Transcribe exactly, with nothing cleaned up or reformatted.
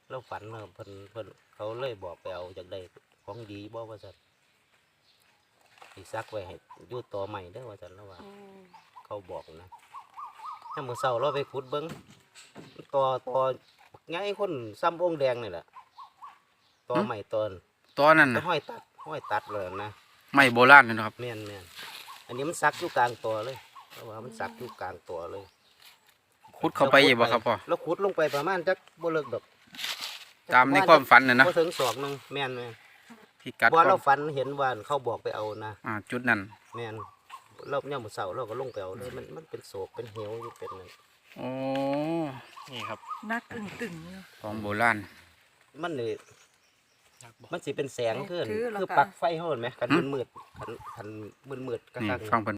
เราฝันเนาะเพิ่นเพิ่นเขาเลยบอกไปเอาจากได้ของดีบ่ว่าซั่นสิซักไว้ให้อยู่ต่อใหม่เด้อว่าซั่นแล้วว่าอืมเขาบอกนะถ้ามื้อเช้าเราไปขุดเบิ่งต่อต่อใหญ่คนซ้ำองค์แดงนี่แหละต่อใหม่ต้นตอนนั้นก็น่ะห้อยตัดห้อยตัดเลยนะไม้โบราณเลยนะครับแม่นแม่นอันนี้มันซักอยู่กลางตัวเลยเพราะว่ามันซักอยู่กลางตัวเลยขุดเข้าไปอีกบ่ครับพ่อแล้วขุดลงไปประมาณจักบ่เลิกดอกตามในความฝันน่ะนะบ่ถึงศอกหนึงแม่นแม่นพิกัดว่าควาเรามฝันเห็นว่าเขาบอกไปเอานะอ่าจุดนั้นแม่นเราเนี่ยามมื้อเช้าเราก็ลงไปเอาเลยมันมันเป็นโศกเป็นเหวอยู่เป็นนั่นโอ้นี่ครับนักตึงตึงๆอยู่ของโบราณมันนี่มันสิเป็นแสงขึ้นถือแล้วคือก็ปลักไฟเฮาเห็นไหมคันมืดๆคันคันมืดๆกลางนี่ๆฟังเพิ่น